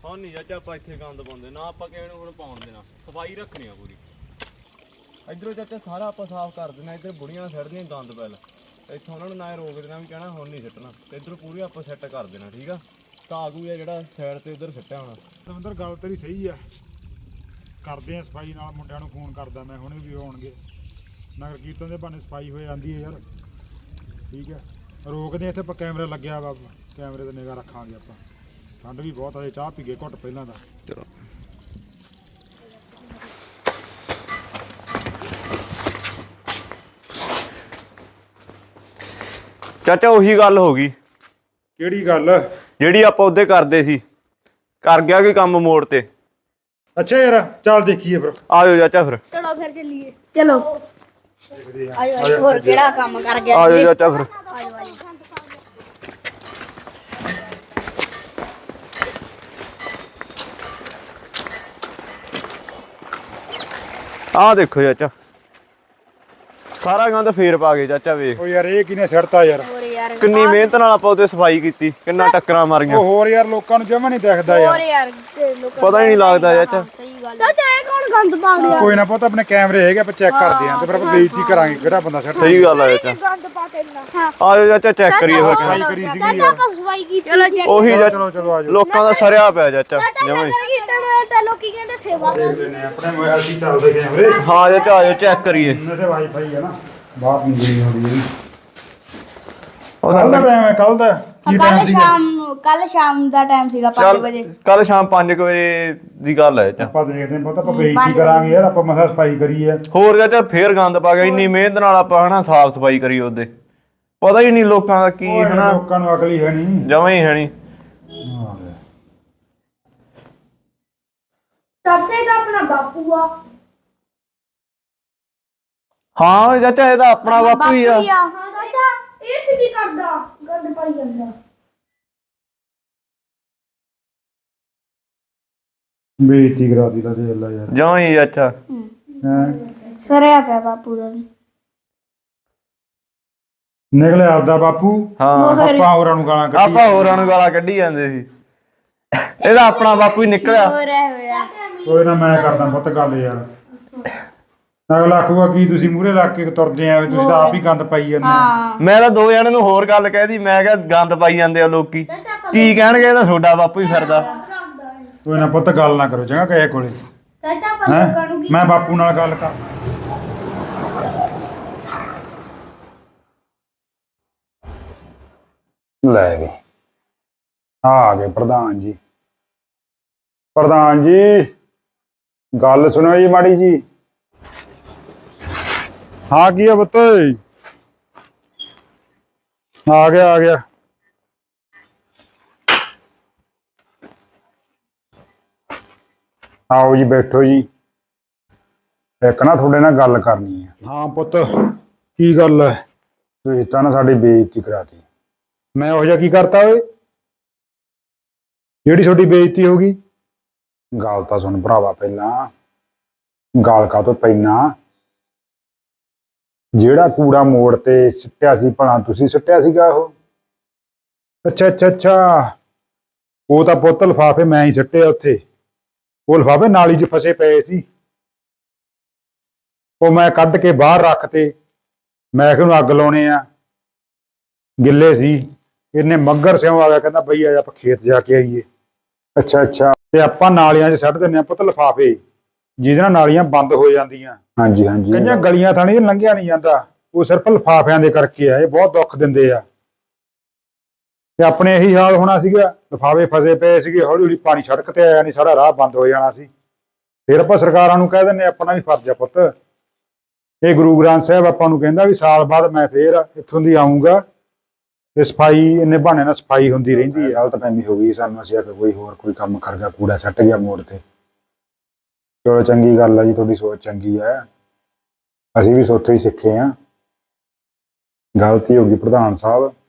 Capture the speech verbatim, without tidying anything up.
ਹਾਂ ਨਹੀਂ ਚਾਚਾ ਆਪਾਂ ਇੱਥੇ ਗੰਦ ਪਾਉਂਦੇ ਨਾ, ਆਪਾਂ ਕਿਸੇ ਨੂੰ ਹੁਣ ਪਾਉਣ ਦੇਣਾ, ਸਫਾਈ ਰੱਖਣੀ ਆ ਪੂਰੀ। ਇੱਧਰੋਂ ਚਾਚਾ ਸਾਰਾ ਆਪਾਂ ਸਾਫ਼ ਕਰ ਦੇਣਾ, ਇੱਧਰ ਬੁੜੀਆਂ ਛੱਡਦੀਆਂ ਗੰਦ ਪੈਲ, ਇੱਥੋਂ ਉਹਨਾਂ ਨੂੰ ਨਾ ਰੋਕ ਦੇਣਾ ਵੀ ਕਹਿਣਾ ਹੁਣ ਨਹੀਂ ਸਿੱਟਣਾ, ਤੇ ਇੱਧਰ ਪੂਰੀ ਆਪਾਂ ਸੈੱਟ ਕਰ ਦੇਣਾ। ਠੀਕ ਆ, ਘਾਹ ਘੂ ਆ ਜਿਹੜਾ ਸਾਈਡ ਤੇ ਉੱਧਰ ਸਿੱਟਿਆ ਹੋਣਾ। ਦਵਿੰਦਰ ਗੱਲ ਤੇਰੀ ਸਹੀ ਆ, ਕਰਦੇ ਆ ਸਫਾਈ ਨਾਲ। ਮੁੰਡਿਆਂ ਨੂੰ ਫੋਨ ਕਰਦਾ ਮੈਂ, ਹੁਣੇ ਵੀ ਆਉਣਗੇ। ਨਗਰ ਕੀਰਤਨ ਦੇ ਬਹਾਨੇ ਸਫਾਈ ਹੋ ਜਾਂਦੀ ਹੈ ਯਾਰ। ਠੀਕ ਹੈ, ਰੋਕਦੇ ਇੱਥੇ ਆਪਾਂ ਕੈਮਰਾ ਲੱਗਿਆ ਵਾ, ਕੈਮਰੇ ਤੇ ਨਿਗਾਹ ਰੱਖਾਂਗੇ ਆਪਾਂ। ਠੰਡ ਵੀ ਬਹੁਤ ਆ, ਚਾਹ ਪੀ ਗਏ ਘੁੱਟ ਪਹਿਲਾਂ ਦਾ। ਚਲੋ ਚਾਚਾ ਉਹੀ ਗੱਲ ਹੋ ਗਈ। ਕਿਹੜੀ ਗੱਲ? ਜਿਹੜੀ ਆਪਾਂ ਉਹਦੇ ਕਰਦੇ ਸੀ, ਕਰ ਗਿਆ ਕੋਈ ਕੰਮ ਮੋੜ ਤੇ। ਅੱਛਾ ਯਾਰ, ਚੱਲ ਦੇਖੀਏ ਫਿਰ। ਆ ਜਾਓ ਚਾਚਾ ਫਿਰ। ਚਲੋ ਫਿਰ ਚੱਲੀਏ। ਚਲੋ ਆਜੋ ਆਜੋ, ਹੋਰ ਕਿਹੜਾ ਕੰਮ ਕਰ ਗਿਆ? ਆ ਜਾਓ ਚਾਚਾ ਫਿਰ। ਆਜੋ ਆਜੋ। ਆਹ ਦੇਖੋ ਚਾਚਾ, ਸਾਰਾ ਗੰਦ ਫੇਰ ਪਾ ਗਏ ਚਾਚਾ, ਵੇਖ। ਉਹ ਯਾਰ ਇਹ ਕਿਨੇ ਸਿੱਟਤਾ ਯਾਰ? ਹੋਰ ਯਾਰ ਕਿੰਨੀ ਮਿਹਨਤ ਨਾਲ ਆਪਾਂ ਉਹਦੇ ਸਫਾਈ ਕੀਤੀ, ਕਿੰਨਾ ਟੱਕਰਾਂ ਮਾਰੀਆਂ। ਉਹ ਹੋਰ ਯਾਰ ਲੋਕਾਂ ਨੂੰ ਜਮਾ ਨਹੀਂ ਦਿਖਦਾ ਹੋਰ ਯਾਰ। ਯਾਰ ਤੇ ਲੋਕਾਂ ਪਤਾ ਹੀ ਨਹੀਂ ਲੱਗਦਾ ਚਾਚਾ। ਸਹੀ ਗੱਲ। ਚਾਚਾ ਇਹ ਕੌਣ ਗੰਦ ਪਾ ਗਿਆ? ਕੋਈ ਨਾ ਪੁੱਤ, ਆਪਣੇ ਕੈਮਰੇ ਹੈਗੇ, ਆਪਾਂ ਚੈੱਕ ਕਰਦੇ ਆਂ ਤੇ ਫਿਰ ਆਪਾਂ ਬੇਇੱਜ਼ਤੀ ਕਰਾਂਗੇ ਕਿਹੜਾ ਬੰਦਾ ਸਿੱਟਦਾ। ਸਹੀ ਗੱਲ ਆ ਚਾਚਾ। ਗੰਦ ਪਾ ਕੇ ਨਾ। ਹਾਂ ਆ ਜਾਓ ਚਾਚਾ, ਚੈੱਕ ਕਰੀਏ ਫਿਰ। ਸਫਾਈ ਕਰੀ ਸੀਗੀ ਚਾਚਾ ਯਾਰ। ਆਪਾਂ ਸਫਾਈ ਕੀਤੀ। ਚਲੋ ਚੈੱਕ ਉਹੀ ਚਲੋ ਚਾਚਾ, ਚਲੋ ਚਲੋ ਆਜੋ। ਲੋਕਾਂ ਦਾ ਸਰਿਆ ਪਿਆ ਚਾਚਾ ਜਮਾਂ ਹੀ। ਕੀਰਤਨ ਤੇ ਲੋਕੀ ਕਹਿੰਦੇ ਸੇਵਾ ਕਰ। ਦੇਖਦੇ ਨੇ ਆਪਣੇ ਮੋਬਾਈਲ 'ਤੇ ਚੱਲਦੇ ਕੈਮਰੇ। ਹਾਂ ਚਾਚਾ ਆ ਜਾਓ, ਚੈੱਕ ਕਰੀਏ। ਇਹਨਾਂ ਤੇ ਵਾਈਫਾਈ ਹੈ ਨਾ, ਬਾਹਰ ਨਹੀਂ ਗਈ ਹੁੰਦੀ। ਉਹਦਾ ਕੱਲ ਦਾ ਟਾਈਮ ਹੈ, ਕੱਲ ਦਾ ਕੀ ਕੱਲ ਟਾਈਮ ਸੀਗਾ? ਸ਼ਾਮ ਕੱਲ ਸ਼ਾਮ ਦਾ ਟਾਈਮ ਸੀਗਾ ਪੰਜ ਵਜੇ। ਕੱਲ ਸ਼ਾਮ ਪੰਜ ਕੁ ਵਜੇ ਦੀ ਗੱਲ ਹੈ ਚਾਚਾ। ਆਪਾਂ ਦੇਖਦੇ ਹਾਂ, ਪਤਾ ਆਪਾਂ ਬੇਇੱਜ਼ਤੀ ਕਰਾਂਗੇ ਯਾਰ, ਆਪਾਂ ਮਸਾ ਸਫਾਈ ਕਰੀ ਹੈ। ਹੋਰ ਚਾਚਾ ਫੇਰ ਗੰਦ ਪਾ ਗਿਆ, ਇੰਨੀ ਮਿਹਨਤ ਨਾਲ ਆਪਾਂ ਹਨਾ ਸਾਫ ਸਫਾਈ ਕਰੀ ਉਹਦੇ, ਪਤਾ ਹੀ ਨਹੀਂ ਲੋਕਾਂ ਦਾ ਕੀ ਓਏ ਹਨਾ, ਲੋਕਾਂ ਨੂੰ ਅਕਲ ਹੀ ਹੈ ਨਹੀਂ। ਜਮਾਂ ਹੀ ਹੈ ਨਹੀਂ। ਚਾਚੇ ਦਾ ਆਪਣਾ ਬਾਪੂ ਆ। ਹਾਂ ਚਾਚਾ ਇਹਦਾ ਆਪਣਾ ਬਾਪੂ ਹੀ ਆ। ਹਾਂ ਚਾਚਾ, ਇਹ ਚ ਕੀ ਕਰਦਾ? ਗੰਦ ਪਾਈ ਜਾਂਦਾ। ਬੇਇੱਜ਼ਤੀ ਕਰਾਤੀ ਤਾਂ ਦੇਖ ਲੈ ਯਾਰ। ਜਮਾਂ ਹੀ ਚਾਚਾ। ਹੈਂ ਸਰਿਆ ਪਿਆ ਬਾਪੂ ਦਾ ਵੀ। ਨਿਕਲਿਆ ਆਪਦਾ ਬਾਪੂ। ਹਾਂ ਆਪਾਂ ਹੋਰਾਂ ਨੂੰ ਗਾਲਾਂ ਕੱਢੀ। ਆਪਾਂ ਹੋਰਾਂ ਨੂੰ ਗਾਲਾਂ ਕੱਢੀ ਜਾਂਦੇ ਸੀ, ਇਹਦਾ ਆਪਣਾ ਬਾਪੂ ਹੀ ਨਿਕਲਿਆ। ਹੋਰ ਐ ਹੋਇਆ। ਕੋਈ ਨਾ, ਮੈਂ ਕਰਦਾ ਪੁੱਤ ਗੱਲ ਯਾਰ। ਅਗਲਾ ਆਖੂਗਾ ਕੀ ਤੁਸੀਂ ਮੂਹਰੇ ਲੱਗ ਕੇ ਤੁਰਦੇ ਆ, ਤੁਸੀਂ ਤਾਂ ਆਪ ਹੀ ਗੰਦ ਪਾਈ ਜਾਂਦੇ। ਹਾਂ ਮੈਂ ਤਾਂ ਦੋ ਜਣਿਆਂ ਨੂੰ ਹੋਰ ਗੱਲ ਕਹਿਦੀ, ਮੈਂ ਕਿਹਾ ਗੰਦ ਪਾਈ ਜਾਂਦੇ ਆ ਲੋਕੀ, ਕੀ ਕਹਿਣਗੇ ਇਹਦਾ ਤੁਹਾਡਾ ਬਾਪੂ ਹੀ ਫਿਰਦਾ। ਕੋਈ ਨਾ ਪੁੱਤ, ਗੱਲ ਨਾ ਕਰੋ ਚੰਗਾ ਕਿਸੇ ਕੋਲੇ। ਚਾਚਾ ਆਪਾਂ ਹੈਂ ਲੋਕਾਂ ਨੂੰ ਕੀ ਮੈਂ ਬਾਪੂ ਨਾਲ ਗੱਲ ਕਰ। ਲੈ ਗਏ ਆ ਗਏ ਪ੍ਰਧਾਨ ਜੀ। ਪ੍ਰਧਾਨ ਜੀ ਗੱਲ ਸੁਣੋ ਜੀ ਮਾੜੀ ਜੀ। ਹਾਂ ਕੀ ਆ ਪੁੱਤ? ਆ ਗਿਆ ਆ ਗਿਆ। ਆਓ ਜੀ, ਬੈਠੋ ਜੀ। ਇੱਕ ਨਾ ਤੁਹਾਡੇ ਨਾਲ ਗੱਲ ਕਰਨੀ ਹੈ। ਹਾਂ ਪੁੱਤ, ਕੀ ਗੱਲ ਹੈ? ਤੁਸੀਂ ਤਾਂ ਨਾ ਸਾਡੀ ਬੇਇੱਜ਼ਤੀ ਕਰਾਤੀ। ਮੈਂ ਉਹ ਜਿਹਾ ਕੀ ਕਰਤਾ ਓਏ ਜਿਹੜੀ ਤੁਹਾਡੀ ਬੇਇੱਜ਼ਤੀ ਹੋ ਗਈ? ਗੱਲ ਤਾਂ ਸੁਣ ਭਰਾਵਾ, ਪਹਿਲਾਂ ਗੱਲ ਕਾ ਤੋਂ ਪਹਿਲਾਂ ਜਿਹੜਾ ਕੂੜਾ ਮੋੜ ਤੇ ਸਿੱਟਿਆ ਸੀ, ਭਲਾ ਤੁਸੀਂ ਸਿੱਟਿਆ ਸੀਗਾ ਉਹ? ਅੱਛਾ ਅੱਛਾ ਅੱਛਾ, ਉਹ ਤਾਂ ਪੁੱਤ ਲਿਫਾਫੇ ਮੈਂ ਹੀ ਸਿੱਟੇ ਉੱਥੇ। ਉਹ ਲਿਫਾਫੇ ਨਾਲੀ 'ਚ ਫਸੇ ਪਏ ਸੀ, ਉਹ ਮੈਂ ਕੱਢ ਕੇ ਬਾਹਰ ਰੱਖਤੇ। ਮੈਂ ਕਿਹਾ ਉਹਨੂੰ ਅੱਗ ਲਾਉਣੇ ਆ, ਗਿੱਲੇ ਸੀ। ਇਹਨੇ ਮੱਗਰ ਸਿਉਂ ਆ ਗਿਆ, ਕਹਿੰਦਾ ਬਈ ਆ ਆਪਾਂ ਖੇਤ ਜਾ ਕੇ ਆਈਏ। ਅੱਛਾ ਅੱਛਾ, ਤੇ ਆਪਾਂ ਨਾਲੀਆਂ 'ਚ ਸੁੱਟ ਦਿੰਦੇ ਆ ਪੁੱਤ ਲਿਫਾਫੇ, ਜਿਹਦੇ ਨਾਲ ਨਾਲੀਆਂ ਬੰਦ ਹੋ ਜਾਂਦੀਆਂ। ਹਾਂਜੀ ਹਾਂਜੀ, ਕਈਆਂ ਗਲੀਆਂ ਥਾਣੀ ਲੰਘਿਆ ਨਹੀਂ ਜਾਂਦਾ, ਉਹ ਸਿਰਫ ਲਿਫਾਫਿਆਂ ਦੇ ਕਰਕੇ ਆ। ਇਹ ਬਹੁਤ ਦੁੱਖ ਦਿੰਦੇ ਆ। ਤੇ ਆਪਣੇ ਇਹੀ ਹਾਲ ਹੋਣਾ ਸੀਗਾ, ਲਿਫਾਫੇ ਫਸੇ ਪਏ ਸੀਗੇ, ਹੌਲੀ ਹੌਲੀ ਪਾਣੀ ਸੜਕ ਤੇ ਆਇਆ ਨਹੀਂ, ਸਾਰਾ ਰਾਹ ਬੰਦ ਹੋ ਜਾਣਾ ਸੀ। ਫਿਰ ਆਪਾਂ ਸਰਕਾਰਾਂ ਨੂੰ ਕਹਿ ਦਿੰਦੇ, ਆਪਣਾ ਵੀ ਫਰਜ਼ ਆ ਪੁੱਤ। ਇਹ ਗੁਰੂ ਗ੍ਰੰਥ ਸਾਹਿਬ ਆਪਾਂ ਨੂੰ ਕਹਿੰਦਾ ਵੀ ਸਾਲ ਬਾਅਦ ਮੈਂ ਫੇਰ ਇੱਥੋਂ ਦੀ ਆਊਂਗਾ, ਤੇ ਸਫਾਈ ਇੰਨੇ ਬਹਾਨੇ ਨਾਲ ਸਫਾਈ ਹੁੰਦੀ ਰਹਿੰਦੀ ਹੈ। ਗਲਤ ਫਹਿਮੀ ਹੋ ਗਈ ਸਾਨੂੰ, ਅਸੀਂ ਕਿ ਕੋਈ ਹੋਰ ਕੋਈ ਕੰਮ ਕਰ ਗਿਆ, ਕੂੜਾ ਸੱਟ ਗਿਆ ਮੋੜ ਤੇ। ਚਲੋ ਚੰਗੀ ਗੱਲ ਆ ਜੀ, ਤੁਹਾਡੀ ਸੋਚ ਚੰਗੀ ਹੈ, ਅਸੀਂ ਵੀ ਸੋਚੋ ਹੀ ਸਿੱਖੇ ਹਾਂ। ਗਲਤੀ ਹੋ ਗਈ ਪ੍ਰਧਾਨ ਸਾਹਿਬ,